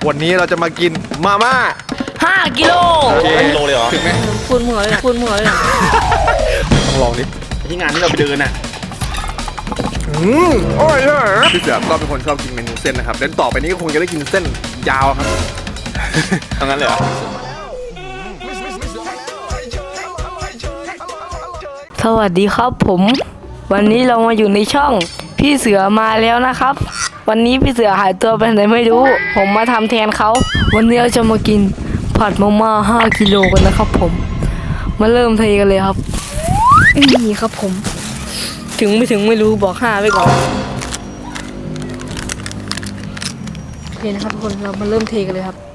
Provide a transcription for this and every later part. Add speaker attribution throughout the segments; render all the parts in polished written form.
Speaker 1: วันนี้เราจะมากินมาม่า
Speaker 2: 5 กิโล
Speaker 3: โลเลยเหรอ
Speaker 1: ถึงไหม
Speaker 2: พูดเหมือน
Speaker 1: ต้องลองดิ
Speaker 3: ที่งานที่เราไปเดินน่ะ
Speaker 1: อร่อยใช่ไหมพี่เสือก็เป็นคนชอบกินเมนูเส้นนะครับเดี๋ยวต่อไปนี้ก็คงจะได้กินเส้นยาวครับ
Speaker 3: ทำงั้นเลยเหรอ
Speaker 2: สวัสดีครับผมวันนี้เรามาอยู่ในช่องพี่เสือมาแล้วนะครับวันนี้พี่เสือหายตัวไปไหนไม่รู้ผมมาทำแทนเขาวันนี้เราจะมากินผัดมาม่า5 กิโลกันนะครับผมมาเริ่มเทกันเลยครับนี่ครับผมถึงไม่ถึงไม่รู้บอก5ไว้ก่อนโอเคนะครับทุกคนเรามาเริ่มเทกันเลยครับ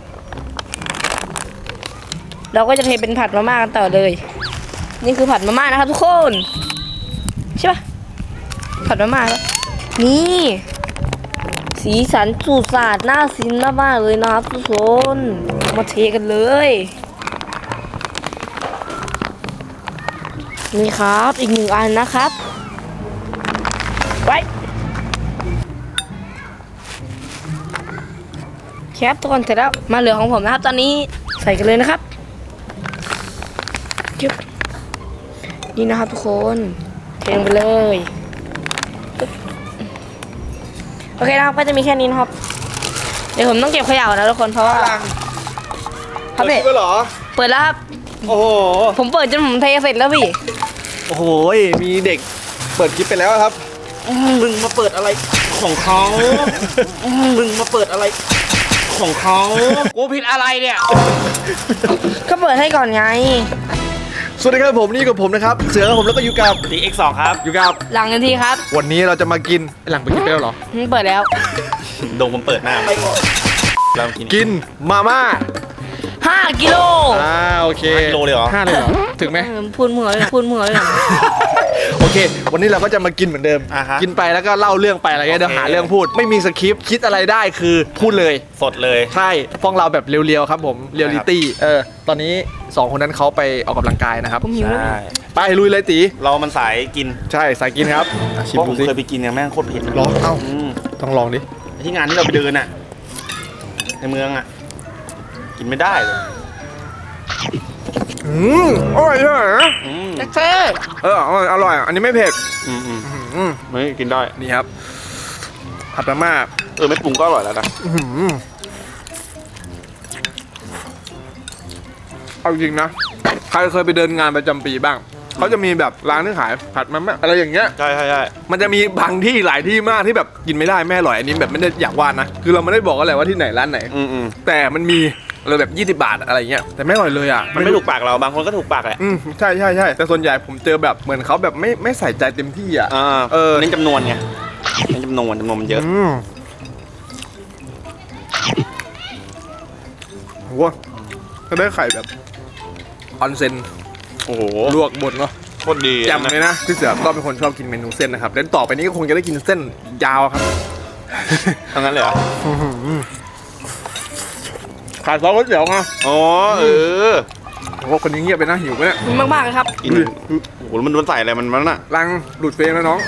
Speaker 2: เราก็จะเทเป็นผัดมาม่ากันต่อเลยนี่คือผัดมาม่านะครับทุกคนใช่ปะผัดมาม่าแล้วนี่สีสันสูดสาดน่ากินมากๆเลยนะครับทุกคนมาเทกันเลยนี่ครับอีก1 อันนะครับไว้แคปทุกคนเสร็จแล้วมาเหลือของผมนะครับตอนนี้ใส่กันเลยนะครับนี่นะครับทุกคนเทลงไปเลยโอเคนะครับก็จะมีแค่นี้นะครับเดี๋ยวผมต้องเก็บขยะนะทุกคนเพราะว่าครับพี่
Speaker 1: เหรอ
Speaker 2: เปิดแล้วครับ
Speaker 1: โอ้โห
Speaker 2: ผมเปิดจนผมเทเสร็จแล้วพี่
Speaker 1: โอ้โหมีเด็กเปิดคลิปไปแล้วครับ
Speaker 3: มึงมาเปิดอะไรของเขามึงมาเปิดอะไรของเขากูผิดอะไรเนี่ย
Speaker 2: ก็เปิดให้ก่อนไง
Speaker 1: สวัสดีครับผมนี่กับผมนะครับเสือกับผมแล้วก็อยู่กับ
Speaker 3: DX2 ครับ
Speaker 1: อยู่กับ
Speaker 2: หลังกันทีครับ
Speaker 1: วันนี้เราจะมากินหลังไปกินไปแล้วเหรอ
Speaker 2: เปิดแล้ว
Speaker 3: ดงผมเปิดหน้าเรา
Speaker 1: กินมาม่า
Speaker 2: 5 กิโล
Speaker 1: โอเค
Speaker 3: 5 กิโลเลยเหรอ
Speaker 1: 5เลยเหรอถึงไหม
Speaker 2: พูดเหมือน
Speaker 1: โอเควันนี้เราก็จะมากินเหมือนเดิมกินไปแล้วก็เล่าเรื่องไปอะไรเงี้ยเดี๋ยวหาเรื่องพูดไม่มีสคริปต์คิดอะไรได้คือพูดเลย
Speaker 3: สดเลย
Speaker 1: ใช่ฟ้องเราแบบเรียวๆครับผมเรียลลิตี้ตอนนี้2 คนนั้นเขาไปออกกำลังกายนะครับ
Speaker 2: ผมหิวแล้ว
Speaker 1: ไปลุยเลยตี
Speaker 3: เรามันสายกิน
Speaker 1: ใช่สายกินครับ
Speaker 3: ชิมดูสิเคยไปกินเนี่ยแม่งโคตรเผ็ด
Speaker 1: ร้อนเอ้าต้องลองดิ
Speaker 3: ที่งานที่เราไปเดินน่ะในเมืองอ่ะกินไม่ได้เลย
Speaker 1: อร่อยใช่ไหม
Speaker 2: เท่
Speaker 1: อร่อยอันนี้ไม่เผ็ด
Speaker 3: ไม่กินได้
Speaker 1: นี่ครับผัดมาม่า
Speaker 3: ไม่ปรุงก็อร่อยแล้วนะ
Speaker 1: เอาจริงนะใครเคยไปเดินงานประจำปีบ้างเขาจะมีแบบร้านที่ขายผัดมาม่าอะไรอย่างเงี้ย
Speaker 3: ใช่
Speaker 1: มันจะมีบางที่หลายที่มากที่แบบกินไม่ได้แม่อร่อยอันนี้แบบไม่ได้อยากว่านะคือเราไม่ได้บอกอะไรว่าที่ไหนร้านไหนแต่มันมีเลยแบบ20 บาทอะไรเงี้ยแต่ไม่อร่อยเลยอ่ะ
Speaker 3: มันไม่ถูกปากเราบางคนก็ถูกปากแหละ
Speaker 1: ใช่แต่ส่วนใหญ่ผมเจอแบบเหมือนเขาแบบไม่ใส่ใจเต็มที่อ่ะ
Speaker 3: เน้นจำนวนไงเน้นจำนวนมันเยอะ
Speaker 1: โหก็ได้ไข่แบบออนเซน
Speaker 3: โอ้โห
Speaker 1: ลวกบดเนาะ
Speaker 3: โคตรดี
Speaker 1: จำเลยนะพี่เสือก็เป็นคนชอบกินเมนูเส้นนะครับเดี๋ยวต่อไปนี้ก็คงจะได้กินเส้นยาวครับ
Speaker 3: ทำงั้นเลยเหรอ
Speaker 1: ขาดซอสก๋วยเตี๋ยวไง
Speaker 3: อ๋อโ
Speaker 1: อ้คนนี้เงียบไปนะหิวไหมเนี่ย
Speaker 2: มากๆเลยครับ
Speaker 3: กินโอ้โหมันใส่อะไรมันน่ะ
Speaker 1: รังดูดเฟรมแล้วน้อง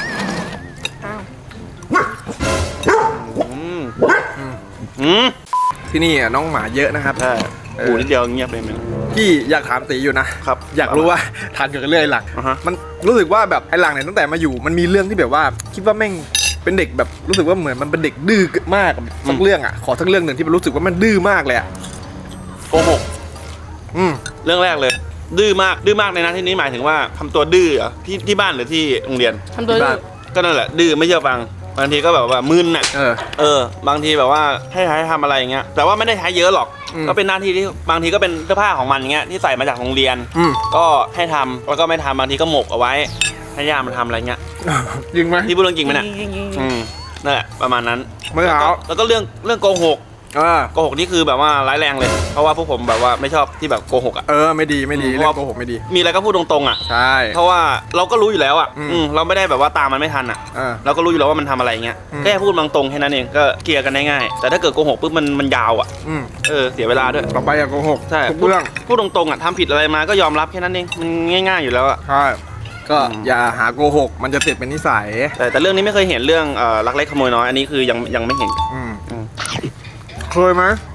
Speaker 1: ที่นี่น้องหมาเยอะนะครับ
Speaker 3: ใช่ปูนิดเดียวเงียบเลยมั้ย
Speaker 1: พี่อยากถามตีอยู่นะครับอยากรู้ว่าทานเกี่ยวกับเรื่องไอ้หลังมันรู้สึกว่าแบบไอ้หลังเนี่ยตั้งแต่มาอยู่มันมีเรื่องที่แบบว่าคิดว่าแม่งเป็นเด็กแบบรู้สึกว่าเหมือนมันเป็นเด็กดื้อมากสักเรื่องอ่ะขอสักเรื่องหนึ่งที่มันรู้สึกว่ามันดื้อมากเลยอ่ะ
Speaker 3: โกหกเรื่องแรกเลยดื้อมากในนั้นที่นี้หมายถึงว่าทำตัวดื้อที่บ้านหรือที่โรงเรียน
Speaker 2: ทำตัวดื้อ
Speaker 3: ก็นั่นแหละดื้อไม่เชื่อฟังบางทีก็แบบว่ามึนอ่ะบางทีแบบว่าให้ทำอะไรอย่างเงี้ยแต่ว่าไม่ได้ใช้เยอะหรอกก็เป็นหน้าที่ที่บางทีก็เป็นเสื้อผ้าของมันอย่างเงี้ยที่ใส่มาจากโรงเรียนก็ให้ทำแล้วก็ไม่ทำบางทีก็หมกเอาไว้ให้ย่ามันทำอะไรเงี้ย
Speaker 1: จริงไหม
Speaker 3: ที่พูดเรื่องจริงไหมเนี่ยนั่นแหละประมาณนั้น
Speaker 1: ไม่เอา
Speaker 3: แล้วก็เรื่องโกหกนี่คือแบบว่าร้ายแรงเลยเพราะว่าพวกผมแบบว่าไม่ชอบที่แบบโกหกอ่ะ
Speaker 1: ไม่ดีเรื่องโกหกไม่ดี
Speaker 3: มีอะไรก็พูดตรงๆอ่ะ
Speaker 1: ใช่
Speaker 3: เพราะว่าเราก็รู้อยู่แล้วอ่ะเราไม่ได้แบบว่าตามมันไม่ทันอ่ะเราก็รู้อยู่แล้วว่ามันทำอะไรเงี้ยแค่พูดตรงๆแค่นั้นเองก็เคลียร์กันได้ง่ายแต่ถ้าเกิดโกหกปุ๊บมันยาวอ่ะเสียเวลาด้วย
Speaker 1: ต่อไปอย่าโกหก
Speaker 3: ใช่
Speaker 1: ทุกเรื่อง
Speaker 3: พูดตรงๆอ่ะทำผิดอะไรมาก็ยอมรับแค่นั้นเองมันง่ายๆอยู่แล้วอ่ะ
Speaker 1: ใช่ก็อย่าหาโกหกมันจะติดเป็นนิสัย
Speaker 3: แต่เรื่องนี้ไม่เคยเห็นเรื่องลักเล็กขโมยน้อยอันนี้คือยังไม่เห็น
Speaker 1: เคยไหม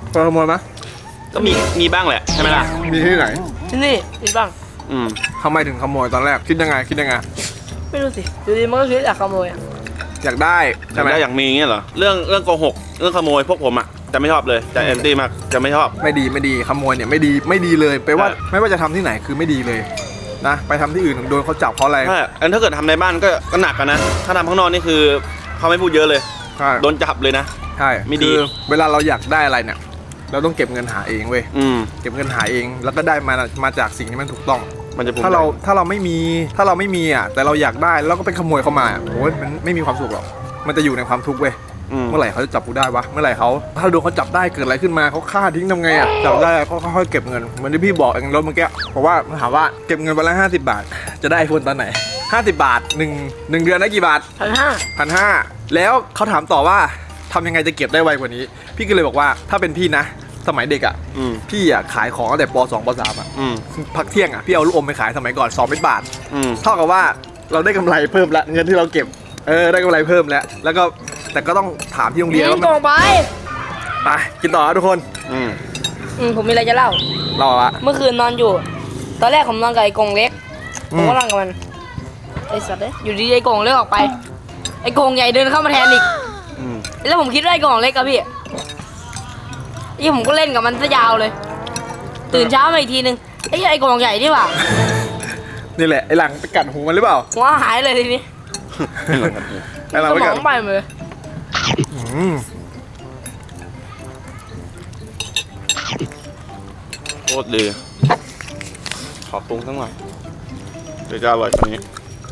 Speaker 1: เคยขโมยไหม
Speaker 3: ก็มีบ้างแหละใช่ไหมล่ะ
Speaker 1: มีที่ไหน
Speaker 2: ที่นี่มีบ้าง
Speaker 3: อืม
Speaker 1: ทำไมถึงขโมยตอนแรกคิดยังไง
Speaker 2: ไม่รู้สิอยู่ดีมันก็คิดอยากขโมยอ่ะ
Speaker 1: อยากได้
Speaker 3: ใช่
Speaker 1: ใช่
Speaker 3: ไห
Speaker 1: ไห
Speaker 3: ม
Speaker 1: ม
Speaker 3: อยากมีอย่างเงี้ยเหรอเรื่องโกหกเรื่องขโมยพวกผมอ่ะจะไม่ชอบเลยจะแอนตี้มากจะไม่ชอบ
Speaker 1: ไม่ดีขโมยเนี่ยไม่ดีเลยไปว่าไม่ว่าจะทำที่ไหนคือไม่ดีเลยนะไปทำที่อื่นโดนเขาจับเพราะอะไร
Speaker 3: ถ้าเกิดทำในบ้านก็หนักกันนะถ้าทำข้างนอกนี่คือเขาไม่พูดเยอะเลย
Speaker 1: ใช่
Speaker 3: โดนจับเลยนะ
Speaker 1: ใช่
Speaker 3: ไม่ดี
Speaker 1: คือเวลาเราอยากได้อะไรเนี่ยเราต้องเก็บเงินหาเองเว้ย
Speaker 3: อืม
Speaker 1: เก็บเงินหาเองแล้วก็ได้มาจากสิ่งที่มันถูกต้อง
Speaker 3: มันจะภูมิ
Speaker 1: ถ้าเรา
Speaker 3: ใจ
Speaker 1: ถ้าเราไม่มีอ่ะแต่เราอยากได้แล้วก็ไปขโมยเข้ามาโอ้ยมันไม่มีความสุขหรอกมันจะอยู่ในความทุกข์เว้ย
Speaker 3: อืม
Speaker 1: เมื่อไหร่เขาจะจับกูได้วะเมื่อไหร่เขาถ้าโดนเขาจับได้เกิดอะไรขึ้นมาเขาฆ่าทิ้งทำไงอ่ะจับได้เขาค่อยๆเก็บเงินเหมือนที่พี่บอกเองรถเมื่อกี้บอกว่าถามว่าเก็บเงินวันละ50 บาท จะได้ไอโฟนตอนไหน50 บาทหนึ่งเดือนได้กี่บาท
Speaker 2: 1,500
Speaker 1: 1,500แล้วเขาถามต่อว่าทำยังไงจะเก็บได้ไวกว่านี้ พี่ก็เลยบอกว่าถ้าเป็นพี่นะ สมัยเด็กอ่ะ
Speaker 3: อืม
Speaker 1: พี่อ่ะขายของตั้งแต่ป .2 ป .3 อ่ะ
Speaker 3: อืม
Speaker 1: พักเที่ยงอ่ะพี่เอาลูกอมไปขายสมัยก่อน2 เม็ดบาท
Speaker 3: อืม
Speaker 1: เท่ากับว่าเราได้กำไรเพิ่มละเงินที่เราเก็บได้กำไรเพิ่มแล้วก็แต่ก็ต้องถามที่โรงเรียนว่า
Speaker 2: กล่องไป
Speaker 1: ไปกินต่อครับทุกคน
Speaker 3: อืม
Speaker 2: ผมมีอะไรจะเล่า
Speaker 1: รอละ
Speaker 2: เมื่อคืนนอนอยู่ ตอนแรกผมนอนกับไอ้กงเล็ก
Speaker 1: อื
Speaker 2: ผม
Speaker 1: ม
Speaker 2: ก็นอนกับมัน ไอ้สัตว์เอ้ยอยู่ดีๆไอ้กงเล็กออกไป ไอ้กงใหญ่เดินเข้ามาแทนอีก
Speaker 3: อืม
Speaker 2: แล้วผมคิดว่าไอ้กงเล็กกับพี่นี่ผมก็เล่นกับมันซะยาวเลย ตื่นเช้ามาอีกทีนึงไอ้กงใหญ่นี่หว่า
Speaker 1: นี่แหละไอหลังไปกัดหูมันหรือเปล่า
Speaker 2: หัวหายเลยทีนี้
Speaker 1: ไอหลัง
Speaker 2: ส
Speaker 1: ไป
Speaker 2: ม
Speaker 1: กั
Speaker 2: อ
Speaker 1: ด
Speaker 2: งไปหมดเลย
Speaker 1: อืม
Speaker 3: โคตรดีขอปรุงสักหน่อยเดี๋ยวจะอร่อยกว่านี้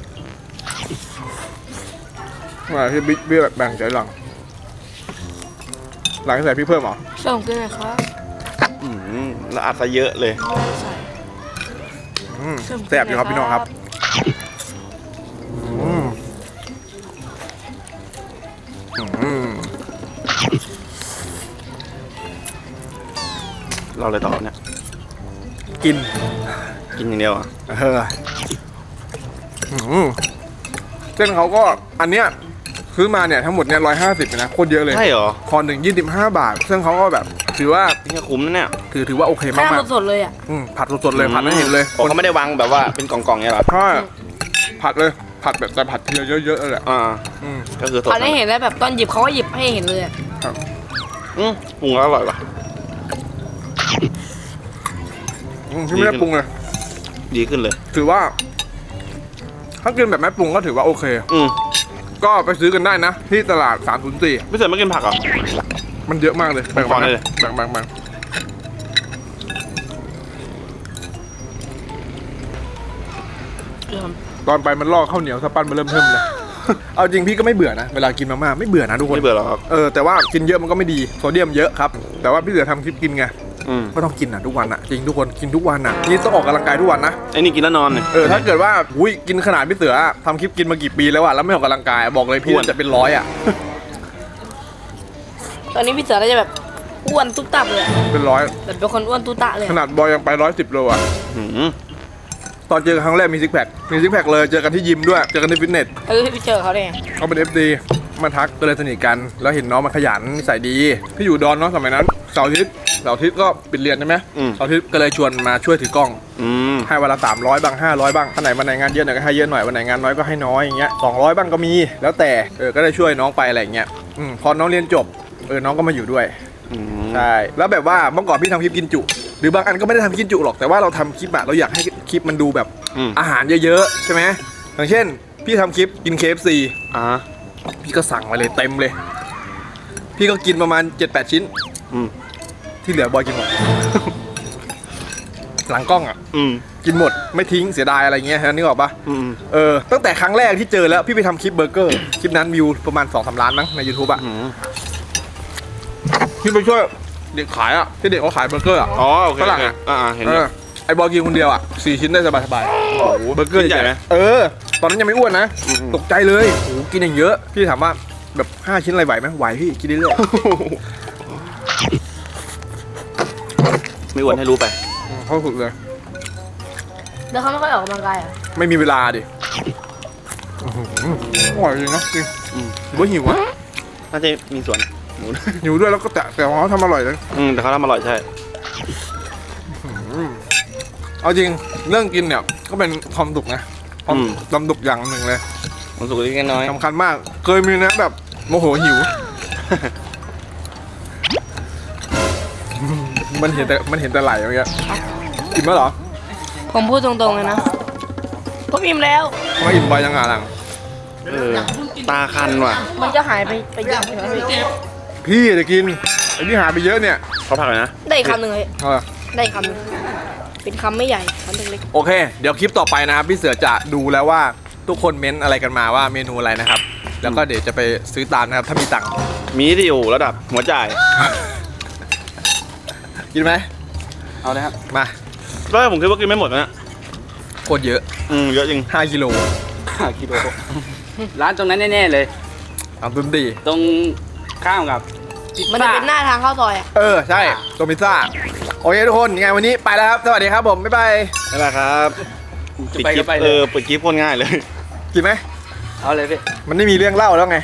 Speaker 1: มาที่บิ๊กแบบแบ่งใจหลังใส่พี่เพิ่มเหรอ
Speaker 2: ช่วยผมกินหน่อยครับ
Speaker 3: อืมแล้วอัดซะเยอะเลย
Speaker 2: ใส่
Speaker 1: อืมแซ่บอยู่ครับพี่น้องครับอืมอืม
Speaker 3: เราเลยต่อเนี่ย
Speaker 1: กิน
Speaker 3: กินอย่างเดียวอ่ะ
Speaker 1: อืมเส้นเขาก็อันเนี้ยซื้อมาเนี่ยทั้งหมดเนี่ย150นะโคตรเยอะเลย
Speaker 3: ใช่เหรอ
Speaker 1: คอนหนึ่ง25 บาทซึ่งเขาก็แบบถือว่า
Speaker 3: นี่คุ้มนะเนี่ย
Speaker 1: ถือว่าโอเค
Speaker 2: ข้าม
Speaker 1: าก
Speaker 2: สดๆเลยอ่ะ
Speaker 1: ผัดสดๆเลยผัดให้เห็นเลย
Speaker 3: อ๋อเขาไม่ได้วางแบบว่าเป็นกล่องๆเนี่ยเหรอ
Speaker 1: ใช่ผัดเลยผัดแบบแต่ผัดทีเยอะๆเลยแหละ
Speaker 3: อ่า
Speaker 1: อืม
Speaker 3: ก็คือสด
Speaker 2: ตอนนี้เห็นแล้วแบบตอนหยิบเขาก็หยิบให้เห็นเลยอะ
Speaker 3: ปรุงแล้วอร่อยว่ะ
Speaker 1: ที่ไม่ได้ปรุงเลย
Speaker 3: ดีขึ้นเลย
Speaker 1: ถือว่า ถ้ากินแบบไม่ปรุงก็ถือว่าโอเค
Speaker 3: อืม
Speaker 1: ก็ไปซื้อกันได้นะ ที่ตลาด304
Speaker 3: ไม่เสร็จไม่กินผักเหรอ
Speaker 1: มันเยอะมากเลยแบ่ง
Speaker 3: ขอ
Speaker 1: ๆ
Speaker 3: หน่
Speaker 1: นะ
Speaker 3: อยเลย
Speaker 1: แบ่งตอนไปมันลอกข้าวเหนียวสปั้นมาเริ่มเทิมเลย เอาจริงพี่ก็ไม่เบื่อนะเวลากินมาม่าไม่เบื่อนะทุกคน
Speaker 3: ไม่เบื่อหรอกครับ
Speaker 1: แต่ว่ากินเยอะมันก็ไม่ดีโซเดียมเยอะครับแต่ว่าพี่เสือทำคลิปกินไง
Speaker 3: อืม
Speaker 1: ก็ต้องกินทุกวันจริงทุกคนกินทุกวันนี่ต้องออกกำลังกายทุกวันนะ
Speaker 3: ไอ้นี่กินแล้วนอนเนี่ย
Speaker 1: ถ้าเกิดว่ากินขนาดพี่เสือทำคลิปกินมากี่ปีแล้วแล้วไม่ออกกำลังกายบอกเลยพี่
Speaker 3: อ้วน
Speaker 1: จะเป็นร้อย
Speaker 2: ตอนนี้พี่เสือก็จะแบบอ้วนตุ๊บตับเลยอะ
Speaker 1: เป็นร้อย
Speaker 2: แบบเป็นคนอ้วนตุ๊ตะเลย
Speaker 1: ข
Speaker 2: อะ
Speaker 1: นาดบอยยังไป110 โล
Speaker 3: หืม
Speaker 1: ตอนเจอกันครั้งแรกมีซิกแพคเลยเจอกันที่ยิมด้วยเจอกันที่ฟิตเนส
Speaker 2: พี่เจอเขาได้ไง
Speaker 1: เขาเป็น FD มาทักก็เลยสนิทกันแล้วเห็นน้องมันขยันนิสัยดีพี่อยู่ดอนเนาะสมัยนั้นเสาร์อาทิตย์ก็ปิดเรียนใช่ไหมเสาร์อาทิตย์ก็เลยชวนมาช่วยถือกล้อง
Speaker 3: อืม
Speaker 1: ให้วันละ300บ้าง500บ้างวันไหนงานเยอะหน่อยก็ให้เยอะหน่อยวันไหนงานน้อยก็ให้น้อยอย่างเงี้ย200บ้างก็มีแล้วแต่ก็ได้ช่วยน้องไปอะไรอย่างเงี้ยพอน้องเรียนจบน้องก็มาอยู่ด้วย
Speaker 3: อืม
Speaker 1: ใช่แล้วแบบว่าเมื่อก่อนพี่ทำคลิปกินจุหรือบางอันก็ไม่ได้ทำกินจุหรอกแต่ว่าเราทำคลิปเราอยากให้คลิปมันดูแบบ อาหารเยอะๆใช่ไหมอย่างเช่นพี่ทำคลิปกิน KFC
Speaker 3: อ่า
Speaker 1: พี่ก็สั่งมาเลยเต็มเลย พี่ก็กินประมาณ 7-8 ชิ้น
Speaker 3: อืม
Speaker 1: ที่เหลือบอยกินหมด หลังกล้อง
Speaker 3: อืม
Speaker 1: กินหมดไม่ทิ้งเสียดายอะไรเงี้ยนึกออกปะ
Speaker 3: อืม
Speaker 1: ตั้งแต่ครั้งแรกที่เจอแล้วพี่ไปทำคลิปเบอร์เกอร์คลิปนั้นวิวประมาณ 2-3 ล้านมั้งใน YouTube
Speaker 3: อืม
Speaker 1: พี่ไปช่วยเด็กขายที่เด็กเขาขายเบอร์เกอร์
Speaker 3: อ๋อโอเค
Speaker 1: ฝรั่ง
Speaker 3: เห็นเลย
Speaker 1: ไอ้บอยกินคนเดียว4 ชิ้นได้สบายๆ
Speaker 3: โอ้โห
Speaker 1: เบอร์เกอร์
Speaker 3: ชิ้นใหญ่ไหม
Speaker 1: ตอนนั้นยังไม่อ้วนนะ
Speaker 3: อืม
Speaker 1: ตกใจเลยโอ้โหกินอย่างเยอะพี่ถามว่าแบบ5 ชิ้นอะไรไหวไหมไหวพี่กินเรื่อย
Speaker 3: ไม่อ้วนให้รู้ไป
Speaker 1: ๆเข้าสุดเลย
Speaker 2: แล้วเขาไม่ค่อยออกกำลังกายอ่ะ
Speaker 1: ไม่มีเวลาดิอร่อยจริงนะจริง
Speaker 3: อืม
Speaker 1: หรือว่าหิวอะ
Speaker 3: น่าจะมีส่วนหมู
Speaker 1: หิวด้วยแล้วก็แต่ของเขาทำอร่อยเลย
Speaker 3: แต่เขาทำอร่อยใช่
Speaker 1: เอาจริงเรื่องกินเนี่ยก็เป็นความสุขนะความสุขอย่างหนึ่งเลย
Speaker 3: มันสุกเล็กน้อย
Speaker 1: สำคัญมากเคยมีนะแบบโมโหหิว มันเห็นแต่ไหลอย่างเงี้ยกินมั้ยเหรอ
Speaker 2: ผมพูดตรงๆเลยนะผมอิ่มแล้ว
Speaker 1: ทำไมอิ่มไปยังไงหลัง
Speaker 3: ตาคันว่ะ
Speaker 2: มันจะหายไปเยอะใช่ไหมพี่
Speaker 1: พี่จะกินไอ้นี่หายไปเยอะเนี่ย
Speaker 3: เขาผักเลยนะ
Speaker 2: ได้อีกคำหนึ่งเลย
Speaker 1: เออ
Speaker 2: ได้อีกคำหนึ่งเป็นคำไม่ใหญ่คำเล็ก
Speaker 1: โอเค เดี๋ยวคลิปต่อไปนะครับพี่เสือจะดูแล้วว่าทุกคนเม้นอะไรกันมาว่าเมนูอะไรนะครับ แล้วก็เดี๋ยวจะไปซื้อตามนะครับถ้ามีตังค์
Speaker 3: มีที่อยู่ระดับหัวจ่าย
Speaker 1: กินไหม
Speaker 3: เอาเลยครับ
Speaker 1: มา
Speaker 3: แล้วผมคิดว่ากินไม่หมดนะเนี่ย
Speaker 1: โคตรเยอะ
Speaker 3: เยอะจริง
Speaker 1: 5 กิโล
Speaker 4: กิโลร้านตรงนั้นแน่ๆเลย
Speaker 1: เอาตุ้มตี
Speaker 4: ตรงข้ามกับพิซ
Speaker 2: ๆมันจะ
Speaker 4: ซ่า
Speaker 2: เป็นหน้าทางเข้าซอยอ่ะ
Speaker 1: เออใช่โดมิซ่าโอเคทุกคนยังไงวันนี้ไปแล้วครับสวัสดีครับผมบ๊ายบาย
Speaker 3: นั่นแหละครับ
Speaker 4: จะไปก็ไปเลย
Speaker 3: ปิดคลิปโคตรง่ายเลย
Speaker 1: กินไหม
Speaker 4: เอาเลยพี่
Speaker 1: มันไม่มีเรื่องเล่าแล้วไง